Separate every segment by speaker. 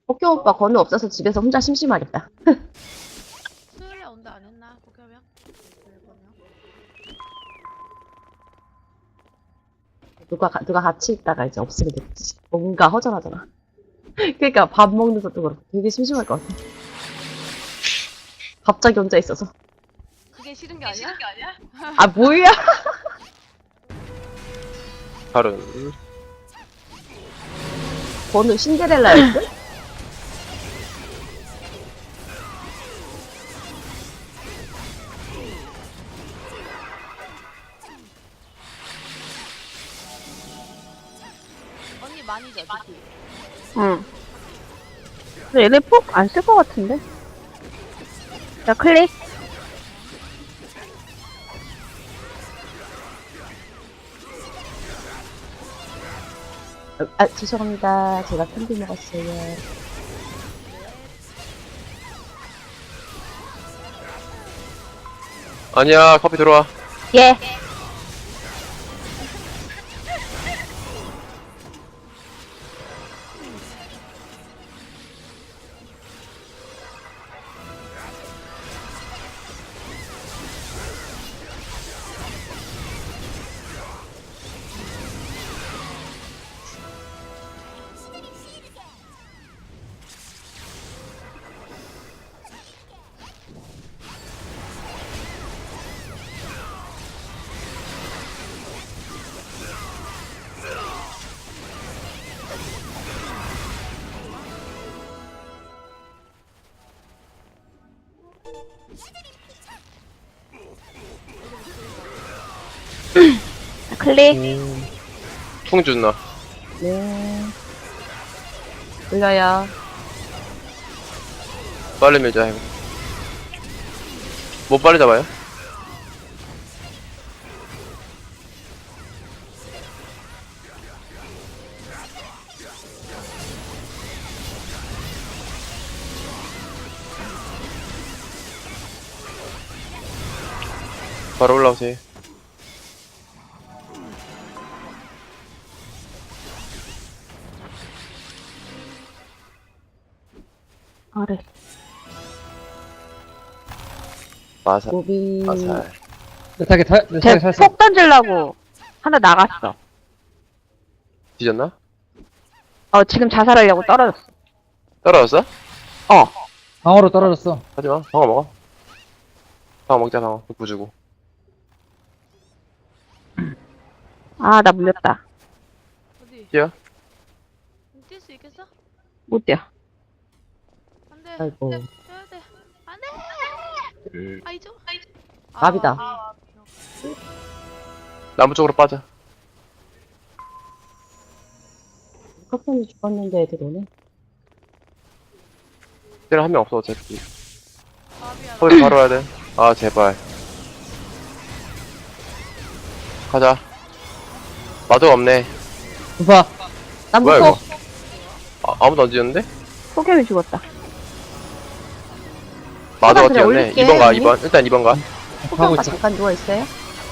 Speaker 1: 복교 오빠 건우 없어서 집에서 혼자 심심하겠다.
Speaker 2: 수요일에 온다 안 했나? 복귀하면?
Speaker 1: 누가 같이 있다가 이제 없으면 됐지. 뭔가 허전하잖아. 그러니까 밥 먹는 것도 그렇고 되게 심심할 것 같아. 갑자기 혼자 있어서.
Speaker 2: 그게 싫은 게 아니야?
Speaker 1: 아, 뭐야?
Speaker 3: 다른
Speaker 1: 건우 신데렐라였어?
Speaker 2: 언니 많이 줘, 특히.
Speaker 4: 응. 근데 얘네 폭 안 쓸 것 같은데? 자, 클릭.
Speaker 1: 아, 죄송합니다. 제가 캔디 먹었어요.
Speaker 3: 아니야 커피 들어와.
Speaker 4: 예. 자, 클릭.
Speaker 3: 풍 준나.
Speaker 1: 네. 올려요.
Speaker 3: 빨리 밀자 이거. 뭐 빨리 잡아요? 바로 올라오세요.
Speaker 4: 아래.
Speaker 3: 마살
Speaker 1: 무비.
Speaker 3: 마살.
Speaker 5: 내 타겟
Speaker 4: 쟤
Speaker 5: 샀어.
Speaker 4: 폭 던지려고 하나 나갔어.
Speaker 3: 뒤졌나?
Speaker 4: 지금 자살하려고 떨어졌어.
Speaker 3: 떨어졌어?
Speaker 5: 방어로 떨어졌어.
Speaker 3: 하지마. 방어 먹어. 방어 먹자 방어. 부주고.
Speaker 4: 아, 나 물렸다.
Speaker 2: 어디?
Speaker 3: 뛰어.
Speaker 2: 뛸 수 있겠어?
Speaker 4: 못 뛰어.
Speaker 2: 안 돼.
Speaker 1: 아이고.
Speaker 2: 뛰어야 돼. 안 돼! 아이죠?
Speaker 1: 밥이다.
Speaker 3: 나무 쪽으로 빠져.
Speaker 1: 커튼이 죽었는데 애들 오네.
Speaker 3: 때는 한 명 없어 어차피.
Speaker 2: 밥이야.
Speaker 3: 거기 바로 와야 돼. 아 제발. 가자. 마도 없네.
Speaker 5: 우파.
Speaker 1: 난
Speaker 3: 뭐야
Speaker 1: 무서워.
Speaker 3: 이거? 아무도 안 지었는데?
Speaker 4: 폭염이 죽었다.
Speaker 3: 마도가
Speaker 1: 그래,
Speaker 3: 뛰었네.
Speaker 1: 올릴게,
Speaker 3: 2번 가
Speaker 1: 언니.
Speaker 3: 2번. 일단 2번 가.
Speaker 5: 하고
Speaker 1: 호경가
Speaker 5: 있어.
Speaker 1: 잠깐 누워있어요?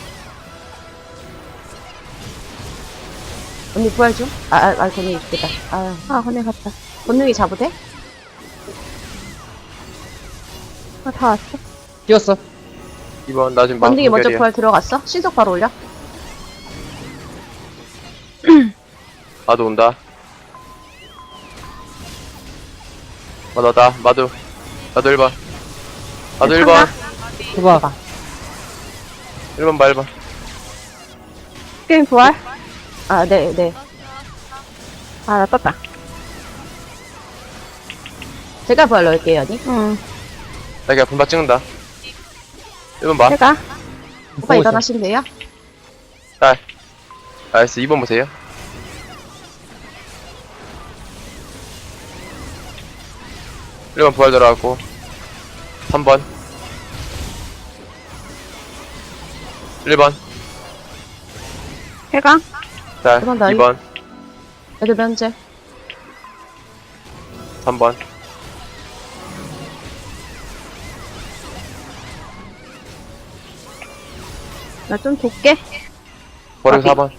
Speaker 1: 언니 부활 좀? 건능이 죽겠다.
Speaker 4: 건네 갔다.
Speaker 1: 건능이 잡으대?
Speaker 4: 다 왔어.
Speaker 5: 뛰었어.
Speaker 3: 2번 나 지금
Speaker 1: 건능이 먼저
Speaker 3: 무결이야.
Speaker 1: 부활 들어갔어? 신속 바로 올려?
Speaker 3: 마도 온다. 마도다. 마도 1번. 마도 1번.
Speaker 5: 우파.
Speaker 3: 1번 봐 1번.
Speaker 4: 게임 부활?
Speaker 1: 네.
Speaker 4: 나 떴다.
Speaker 1: 제가 부활 넣을게요, 언니.
Speaker 4: 응.
Speaker 3: 나 그냥 분박 찍는다. 1번 봐.
Speaker 4: 제가?
Speaker 1: 오빠 일어나시면 돼요?
Speaker 3: 딸. 나이스 2번 보세요. 1번 부활 들어가고 3번 1번
Speaker 4: 해강?
Speaker 3: 자
Speaker 1: 1번 나이.
Speaker 3: 2번
Speaker 1: 애들 면제.
Speaker 3: 3번
Speaker 4: 나 좀 돕게.
Speaker 3: 버리고 4번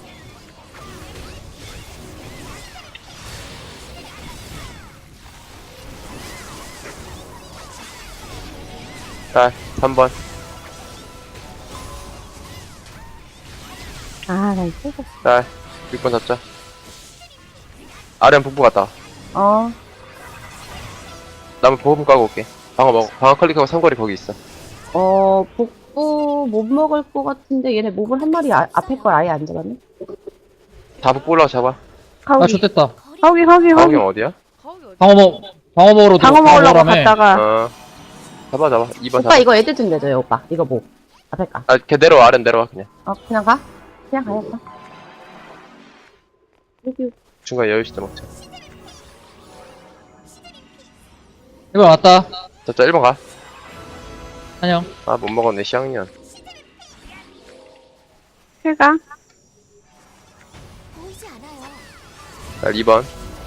Speaker 3: 자, 3번.
Speaker 4: 아, 나 이거.
Speaker 3: 자, 6번 잡자. 아래는 북부 갔다.
Speaker 1: 어.
Speaker 3: 나무 보험 까고 올게. 방어 먹어. 방어 클릭하고 삼거리 거기 있어.
Speaker 1: 복부 못 먹을 것 같은데 얘네 몹을 한 마리 앞에 걸 아예 안 잡았네?
Speaker 3: 다 북부 올라가 잡아.
Speaker 5: 아,
Speaker 4: 가오기.
Speaker 5: 좋됐다.
Speaker 4: 가오기.
Speaker 3: 방어경 어디야?
Speaker 2: 거기 어디?
Speaker 5: 방어 먹으러
Speaker 4: 방어 먹으려고
Speaker 5: 먹으라며.
Speaker 4: 갔다가.
Speaker 3: 어. 잡아. 2번
Speaker 1: 오빠
Speaker 3: 잡아.
Speaker 1: 이거 애들 좀 내줘요 오빠. 이거 뭐 앞에 가.
Speaker 3: 아, 걔 내려와. 아래 내려와, 그냥.
Speaker 1: 그냥 가? 그냥 가야겠다. 여기
Speaker 3: 중간에 여유 시대 먹자.
Speaker 5: 1번 왔다.
Speaker 3: 잡자, 1번 가.
Speaker 5: 안녕.
Speaker 3: 아, 못 먹었네, 시학년.
Speaker 4: 해가.
Speaker 3: 자, 2번.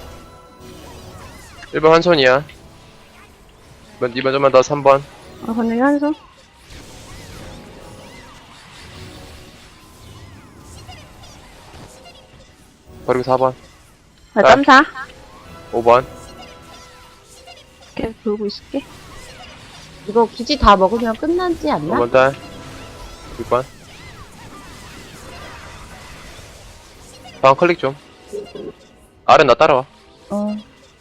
Speaker 3: 1번 한 손이야. 2번 좀만 더, 3번.
Speaker 4: 건너기 한 손.
Speaker 3: 그리고 4번.
Speaker 4: 나
Speaker 3: 아.
Speaker 4: 점사.
Speaker 3: 5번.
Speaker 4: 계속 돌고 있을게.
Speaker 1: 이거 기지 다 먹으면 끝나지 않나?
Speaker 3: 5번 딸. 6번. 방어 클릭 좀. 아래 나 따라와.
Speaker 1: 어.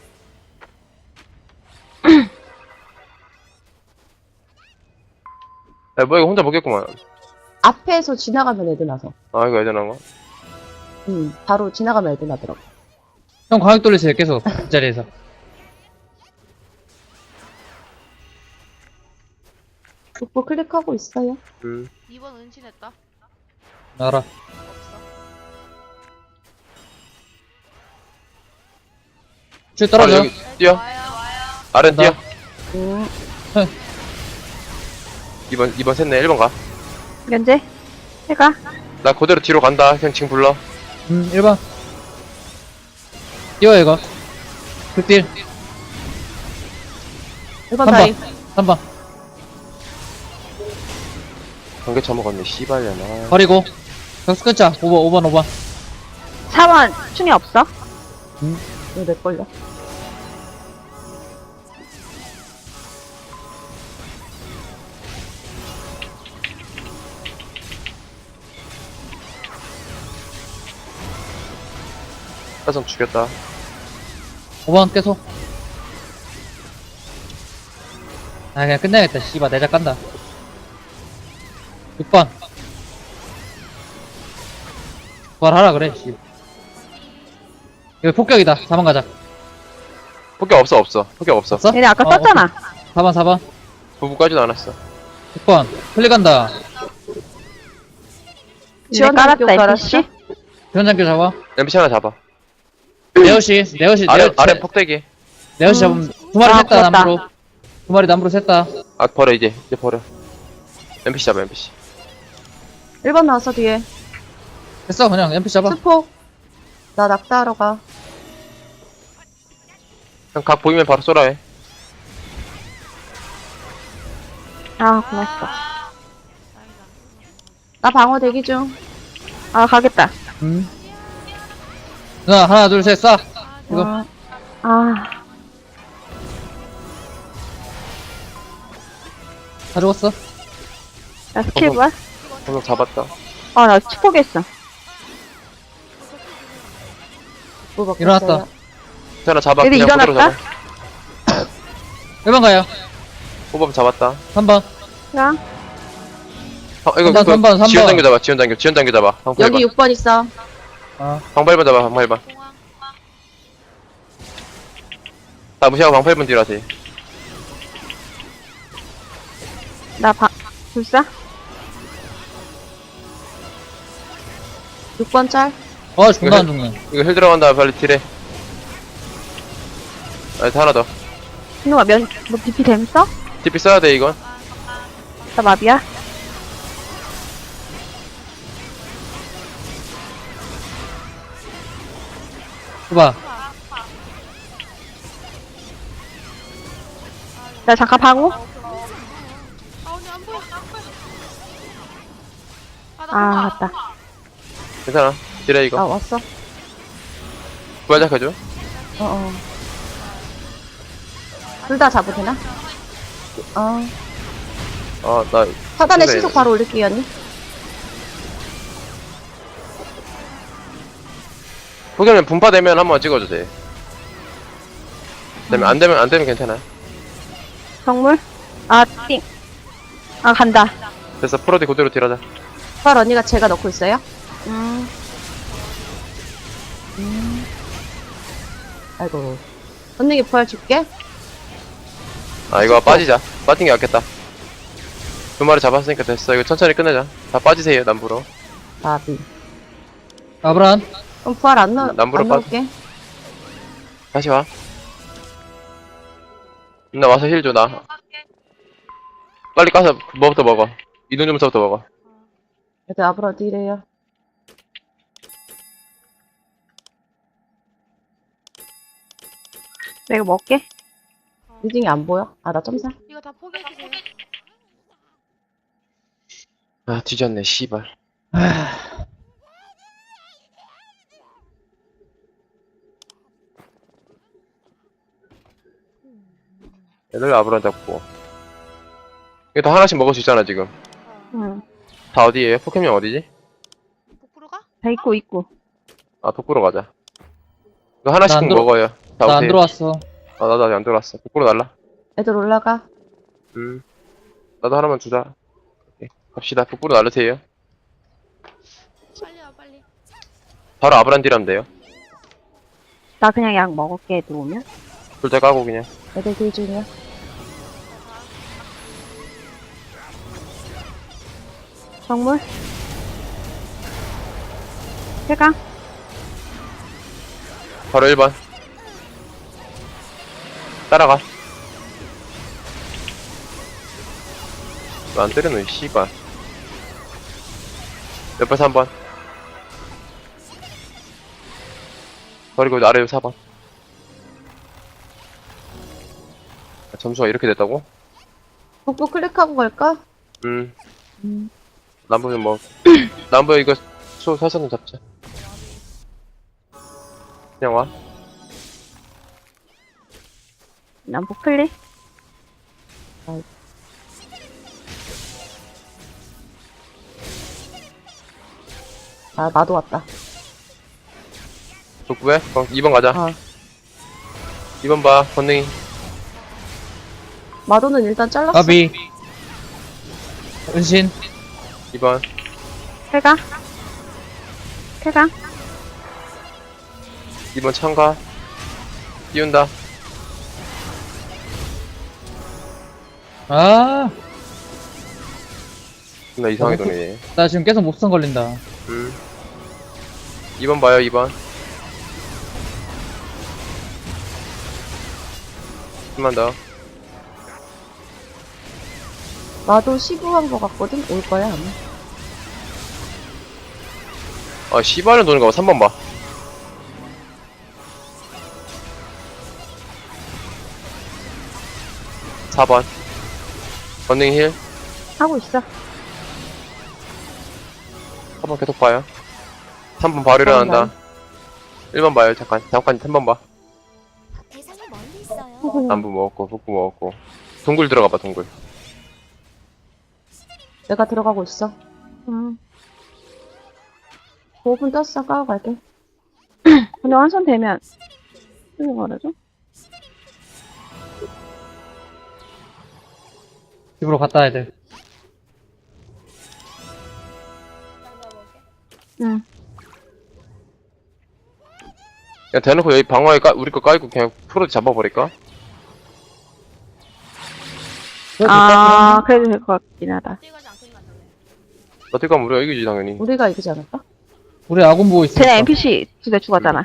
Speaker 3: 야, 뭐 이거 혼자 먹겠구만.
Speaker 1: 앞에서 지나가면 애들 나서.
Speaker 3: 아, 이거 애들 나온 거?
Speaker 1: 바로 지나가면 애들 나더라고.
Speaker 5: 형 광역 돌리세요, 계속. 그 자리에서.
Speaker 1: 복부 클릭하고 있어요.
Speaker 2: 2번 은신했다.
Speaker 5: 알아.
Speaker 2: 없어.
Speaker 5: 줄 떨어져.
Speaker 3: 여기 뛰어.
Speaker 2: 와요.
Speaker 3: 아래 뛰어.
Speaker 1: 음.
Speaker 3: 2번 샜네. 1번 가.
Speaker 4: 면제. 해가.
Speaker 3: 나 그대로 뒤로 간다. 그냥 지금 불러.
Speaker 5: 1번. 뛰어, 이거. 극딜.
Speaker 1: 1번
Speaker 5: 3번.
Speaker 1: 다이.
Speaker 5: 3번.
Speaker 3: 관계 처먹었네. 씨발려나.
Speaker 5: 버리고. 격수 끊자. 5번.
Speaker 4: 4번. 충이 없어.
Speaker 1: 이거 내 걸려.
Speaker 3: 화성 죽였다.
Speaker 5: 5번 계속. 아, 그냥 끝내야겠다. 씨발, 내작 간다. 6번. 부활하라 그래, 씨. 이거 폭격이다. 4번 가자.
Speaker 3: 폭격 없어. 폭격 없어.
Speaker 5: 없어?
Speaker 4: 얘네 아까 썼잖아.
Speaker 5: 4번.
Speaker 3: 부부까지도 않았어.
Speaker 5: 6번. 클릭 간다.
Speaker 4: 지원
Speaker 1: 지원학교
Speaker 4: 깔았다,
Speaker 1: 깔았어?
Speaker 4: NPC.
Speaker 5: 지원장교 잡아.
Speaker 3: MBC 하나 잡아.
Speaker 5: 네오시.
Speaker 3: 아래 폭대기.
Speaker 5: 네오시 잡으면 두 마리
Speaker 4: 아,
Speaker 5: 샜다,
Speaker 4: 그렇다.
Speaker 5: 남부로. 두 마리 남부로 샜다.
Speaker 3: 아, 버려, 이제 버려. MBC 잡아, MBC.
Speaker 1: 1번 나왔어 뒤에.
Speaker 5: 됐어, 그냥 MP 잡아.
Speaker 1: 스포. 나 낙타하러 가.
Speaker 3: 형, 각 보이면 바로 쏘라 해.
Speaker 4: 아, 고맙어.
Speaker 2: 다행이다.
Speaker 1: 나 방어 대기 중.
Speaker 4: 아, 가겠다.
Speaker 5: 누나, 하나, 둘, 셋, 쏴. 이거.
Speaker 1: 어.
Speaker 4: 아,
Speaker 5: 다 죽었어.
Speaker 4: 나 스킬 부활?
Speaker 3: 한명 잡았다.
Speaker 4: 아, 나 치포겠어.
Speaker 1: 복부 먹고
Speaker 5: 일어났다.
Speaker 1: 있어요.
Speaker 3: 하나 잡아.
Speaker 4: 얘네
Speaker 3: 그냥 그대로
Speaker 4: 일어났다?
Speaker 3: 잡아.
Speaker 5: 1번 가요.
Speaker 3: 호범 잡았다.
Speaker 5: 3번.
Speaker 4: 야,
Speaker 3: 이거
Speaker 5: 3번.
Speaker 3: 지원장교 잡아. 지원장교 잡아. 방패
Speaker 1: 여기
Speaker 3: 1번.
Speaker 1: 6번 있어.
Speaker 3: 방패 1번 잡아. 방패 1번. 다 무시하고 방패 1번 뒤로 하세요.
Speaker 4: 나 불사?
Speaker 1: 6번 짤.
Speaker 5: 존나 안 죽네.
Speaker 3: 이거 힐 들어간다. 빨리 딜해. 하나 더.
Speaker 4: 신우가 뭐 BP 됨 써?
Speaker 3: TP 써야 돼, 이건.
Speaker 4: 나 마비야?
Speaker 5: 봐봐.
Speaker 4: 나 잠깐 방어?
Speaker 2: 아, 언니 안 보여. 아, 나
Speaker 4: 아,
Speaker 2: 봐봐.
Speaker 4: 맞다.
Speaker 3: 괜찮아. 딜해,
Speaker 1: 아
Speaker 3: 이거.
Speaker 1: 왔어.
Speaker 3: 부활작 해줘.
Speaker 1: 어어. 둘 다 잡을 되나? 어.
Speaker 3: 나
Speaker 1: 차단에
Speaker 3: 그래.
Speaker 1: 신속 바로 올릴게요, 언니.
Speaker 3: 포켓몬 분파되면 한번 찍어주세요. 안 되면 괜찮아요.
Speaker 4: 정물? 아, 띵. 아, 간다.
Speaker 3: 됐어, 프로디 그대로 딜하자.
Speaker 1: 부활 언니가 제가 넣고 있어요. 아이고. 언니ಗೆ 부활 줄게.
Speaker 3: 이거 빠지자. 빠진 게 낫겠다. 두 마리 잡았으니까 됐어. 이거 천천히 끝내자. 다 빠지세요, 남부로.
Speaker 1: 나비.
Speaker 5: 아브란.
Speaker 1: 그럼 부활 안
Speaker 3: 남부로
Speaker 1: 넣을게.
Speaker 3: 다시 와. 나 와서 힐 줘, 나. 빨리 까서 뭐부터 먹어. 이동 주문서부터 먹어.
Speaker 1: 애들 앞으로 어디 이래요?
Speaker 4: 내가 먹게.
Speaker 1: 리딩이 안 보여? 아, 나 점사.
Speaker 2: 이거 다 포기해주세요.
Speaker 3: 뒤졌네, 씨발. 애들 아브란 잡고. 이거 다 하나씩 먹을 수 있잖아, 지금.
Speaker 4: 응.
Speaker 3: 다 어디에요? 포켓몬 어디지?
Speaker 2: 복부로가?
Speaker 4: 다 있고.
Speaker 3: 북부로 가자. 이거 하나씩
Speaker 5: 나안 들어-
Speaker 3: 먹어요. 다
Speaker 5: 나 안
Speaker 3: 오세요.
Speaker 5: 들어왔어.
Speaker 3: 나도 아직 안 들어왔어. 북부로 날라.
Speaker 1: 애들 올라가.
Speaker 3: 나도 하나만 주자. 오케이. 갑시다. 북부로 날르세요.
Speaker 2: 빨리 와, 빨리.
Speaker 3: 바로 아브란 딜하면 돼요.
Speaker 4: 나 그냥 약 먹을게, 애들 오면.
Speaker 3: 둘 다 까고 그냥.
Speaker 1: 애들 길 중이야.
Speaker 4: 정물? 해강?
Speaker 3: 바로 1번. 따라가. 왜 안 때리노, 이 씨발. 옆에 3번. 그리고 아래 4번. 점수가 이렇게 됐다고?
Speaker 1: 복부 클릭하고 갈까?
Speaker 3: 남부는 뭐, 남부 이거 사선 잡자. 그냥 와.
Speaker 4: 난 포클리?
Speaker 1: 아, 나도 왔다.
Speaker 3: 북부에? 2번 가자. 2번 봐, 건능이.
Speaker 1: 마도는 일단 잘랐어.
Speaker 5: 아비. 은신.
Speaker 3: 2번.
Speaker 4: 해강? 해강?
Speaker 3: 2번 참가. 띄운다.
Speaker 5: 아,
Speaker 3: 나 이상하게 도네.
Speaker 5: 나 지금 계속 목선 걸린다.
Speaker 3: 2번 봐요, 2번. 한번 더.
Speaker 1: 나도 시부한 거 같거든? 올 거야, 아마.
Speaker 3: 씨발은 도는 거 봐. 3번 봐. 4번. 건능 힐.
Speaker 4: 하고 있어.
Speaker 3: 4번 계속 봐요. 3번 바로 일어난다. 1번 봐요, 잠깐 3번 봐.
Speaker 6: 대상이 멀리 있어요.
Speaker 3: 남부 먹었고, 북부 먹었고. 동굴 들어가봐, 동굴.
Speaker 1: 내가 들어가고 있어. 5분 떴어. 까고 갈게.
Speaker 4: 근데 완성되면, 이거 말해줘?
Speaker 5: 집으로 갔다 와야 돼.
Speaker 4: 응.
Speaker 3: 그냥 대놓고 여기 방어에 우리 거 까이고 그냥 프로디 잡아버릴까?
Speaker 4: 아, 그래도 될 것 같긴 하다.
Speaker 2: 뛰어가지 않고 가자.
Speaker 3: 어떻게 하면 우리가 이기지, 당연히.
Speaker 1: 우리가 이기지 않을까?
Speaker 5: 우리 아군 보고 있어.
Speaker 4: 쟤네 NPC 두 대 죽었잖아.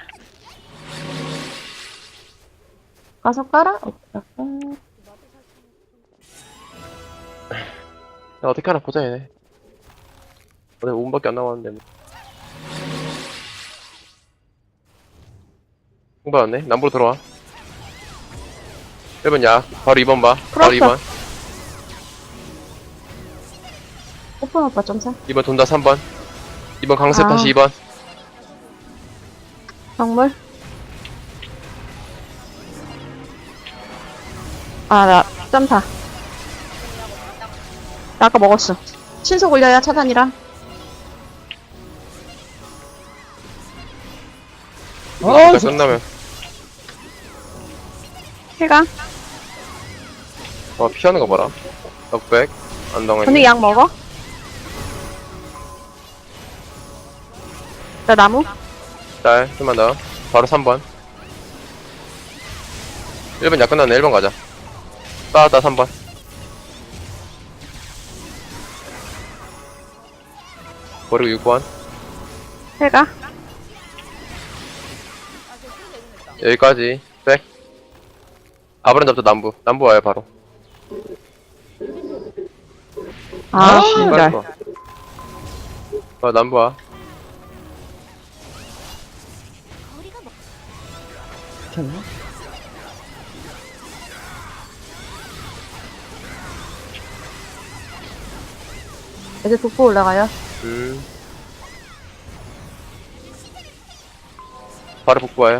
Speaker 1: 가서 깔아? 갈까?
Speaker 3: 야, 어떻게 하나 보자, 얘네. 오늘 5분밖에 안 남았는데. 뭐. 홍보였네? 남부로 들어와. 1번 약. 바로 2번 봐. 바로
Speaker 4: 풀었어.
Speaker 3: 2번.
Speaker 1: 오픈 오빠 점사.
Speaker 3: 2번 돈다, 3번. 2번 강습
Speaker 4: 아.
Speaker 3: 다시 2번.
Speaker 4: 정물? 아, 나, 점사. 나 아까 먹었어.
Speaker 1: 신속 올려요, 차단이랑.
Speaker 5: 아,
Speaker 3: 끝나면.
Speaker 4: 해가.
Speaker 3: 피하는 거 봐라. 넉백. 안당해.
Speaker 4: 언니 약 먹어? 나 나무?
Speaker 3: 짤. 좀만 더. 바로 3번. 1번 약 끝났네. 1번 가자. 따다 3번. 버리고 6번.
Speaker 4: 해가.
Speaker 3: 여기까지. 백. 아브란 잡자 남부. 남부 와요 바로.
Speaker 4: 아,
Speaker 3: 빨리
Speaker 4: 신발.
Speaker 3: 가. 남부 와.
Speaker 6: 거리가 멀.
Speaker 1: 괜찮나? 애들 북부 올라가요.
Speaker 3: 바로 복부 와요.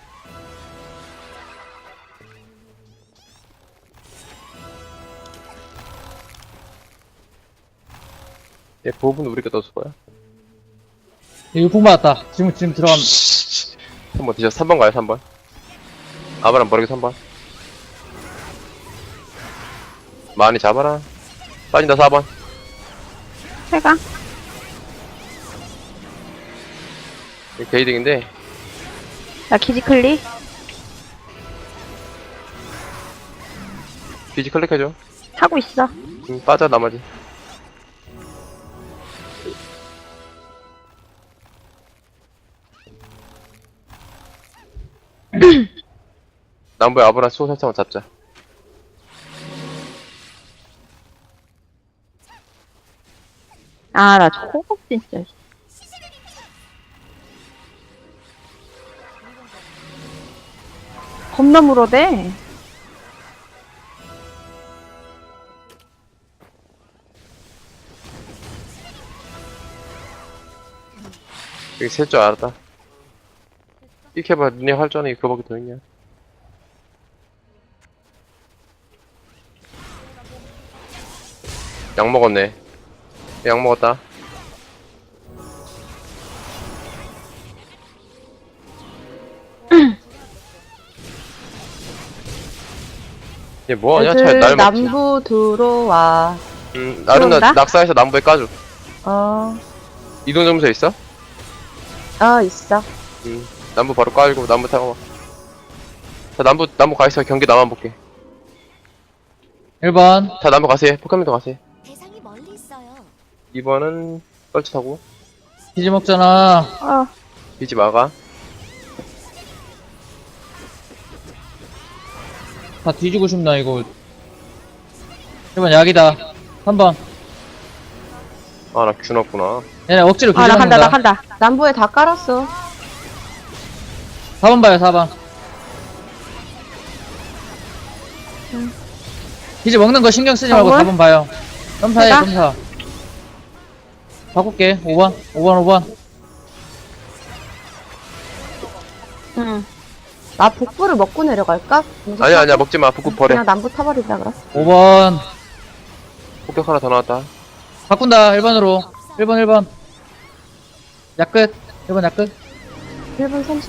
Speaker 3: 얘 보호분 우리가 넣어줄 거야.
Speaker 5: 이거 품 받았다. 지금 들어가면.
Speaker 3: 3번 드셔. 3번 가요, 3번. 아바람 버리고 3번. 많이 잡아라. 빠진다, 4번.
Speaker 4: 해가.
Speaker 3: 이거 게이딩인데,
Speaker 4: 나 키지클리.
Speaker 3: 비지 클릭해줘.
Speaker 4: 하고 있어.
Speaker 3: 빠져, 나머지. 남부에 아브라 수호 살짝만 잡자.
Speaker 4: 아, 나 초급 진짜. 겁나 물어대.
Speaker 3: 여기 셀 줄 알았다. 이렇게 해봐, 눈에 활전이 그거밖에 더 있냐. 약 먹었네. 약 먹었다. 얘 뭐하냐? 잘
Speaker 1: 애들
Speaker 3: 날 먹지.
Speaker 1: 남부 들어와.
Speaker 3: 나름
Speaker 4: 들어온다?
Speaker 3: 낙사해서 남부에 까줘.
Speaker 1: 어,
Speaker 3: 이동 점수 있어?
Speaker 1: 있어.
Speaker 3: 남부 바로 깔고 남부 타고. 자, 남부 가있어. 경기 나만 볼게.
Speaker 5: 1번.
Speaker 3: 자, 남부 가세요. 포켓몬도 가세요.
Speaker 6: 대상이 멀리 있어요.
Speaker 3: 2번은 뻘치 타고.
Speaker 5: 기지 먹잖아.
Speaker 4: 어,
Speaker 3: 비지 막아.
Speaker 5: 다 뒤지고 싶나, 이거. 1번 약이다. 3번.
Speaker 3: 아, 나 균었구나.
Speaker 5: 얘네 억지로 기지
Speaker 4: 아, 나 간다, 나
Speaker 5: 먹는다.
Speaker 4: 간다.
Speaker 1: 남부에 다 깔았어.
Speaker 5: 4번 봐요, 4번. 기지 먹는 거 신경 쓰지 말고
Speaker 4: 4번?
Speaker 5: 4번 봐요. 점사해,
Speaker 4: 해가?
Speaker 5: 점사. 바꿀게. 5번. 5번.
Speaker 4: 응.
Speaker 1: 나 북부를 먹고 내려갈까?
Speaker 3: 아니야, 먹지 마. 북구 버려.
Speaker 1: 그냥 남부 타버린다 그래.
Speaker 5: 5번.
Speaker 3: 폭격 하나 더 나왔다.
Speaker 5: 바꾼다, 1번으로. 1번. 약 끝. 1번 약 끝.
Speaker 1: 1분 30.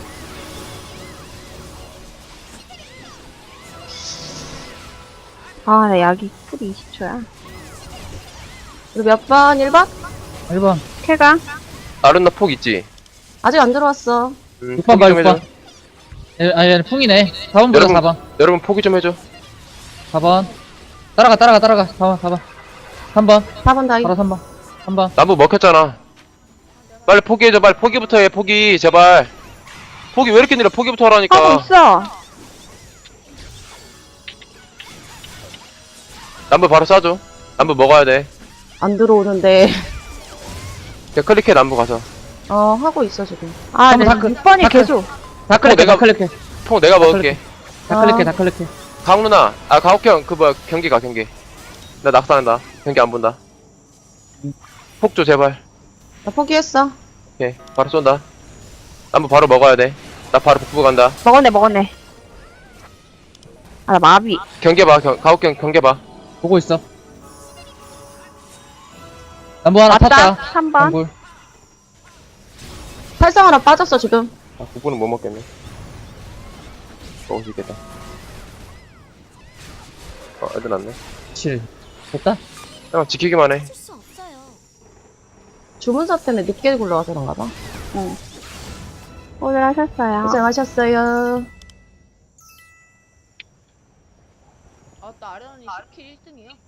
Speaker 4: 아, 나 약이 쿨이 20초야.
Speaker 1: 우리 몇 번? 1번?
Speaker 5: 1번.
Speaker 4: 캐가.
Speaker 3: 아른나 폭 있지?
Speaker 1: 아직 안 들어왔어.
Speaker 5: 6번 봐, 6번. 아니, 얘는 풍이네. 4번 보자,
Speaker 3: 여러분,
Speaker 5: 4번.
Speaker 3: 여러분 포기 좀 해줘.
Speaker 5: 4번. 따라가. 4번. 3번.
Speaker 1: 4번 다이.
Speaker 5: 바로 3번. 3번.
Speaker 3: 남부 먹혔잖아. 빨리 포기해줘. 빨리 포기부터 해. 포기 제발. 포기 왜 이렇게 느려? 포기부터 하라니까.
Speaker 4: 하고 있어.
Speaker 3: 남부 바로 쏴줘. 남부 먹어야 돼.
Speaker 1: 안 들어오는데.
Speaker 3: 그냥 클릭해 남부 가서.
Speaker 1: 하고 있어, 지금.
Speaker 4: 아,
Speaker 5: 한번
Speaker 4: 나
Speaker 5: 다 크-
Speaker 4: 6번이
Speaker 5: 다 크-
Speaker 4: 계속.
Speaker 5: 다 클릭해,
Speaker 3: 내가-
Speaker 5: 다 클릭해.
Speaker 3: 폭 내가 먹을게.
Speaker 5: 다
Speaker 1: 아.
Speaker 5: 클릭해.
Speaker 3: 가옥 누나. 아 가옥형 그 뭐야 경기 가 경기. 나 낙사한다. 경기 안 본다. 폭 줘 제발.
Speaker 1: 나 포기했어.
Speaker 3: 오케이 바로 쏜다. 남부 바로 먹어야 돼. 나 바로 북부 간다.
Speaker 4: 먹었네. 아, 나 마비.
Speaker 3: 경계 봐. 가옥형 경계 봐.
Speaker 5: 보고 있어. 남부 하나
Speaker 4: 맞다.
Speaker 5: 탔다.
Speaker 4: 3번.
Speaker 5: 남부.
Speaker 1: 살상 하나 빠졌어, 지금.
Speaker 3: 아, 9분은 못 먹겠네. 먹을 수 있겠다. 애들 났네.
Speaker 5: 7. 됐다?
Speaker 3: 형, 지키기만 해.
Speaker 6: 쓸 수 없어요.
Speaker 1: 주문서 때문에 늦게 굴러가서 그런가 봐.
Speaker 4: 오늘 하셨어요.
Speaker 1: 고생하셨어요.
Speaker 2: 아, 나 아련이 스킬 1등이야.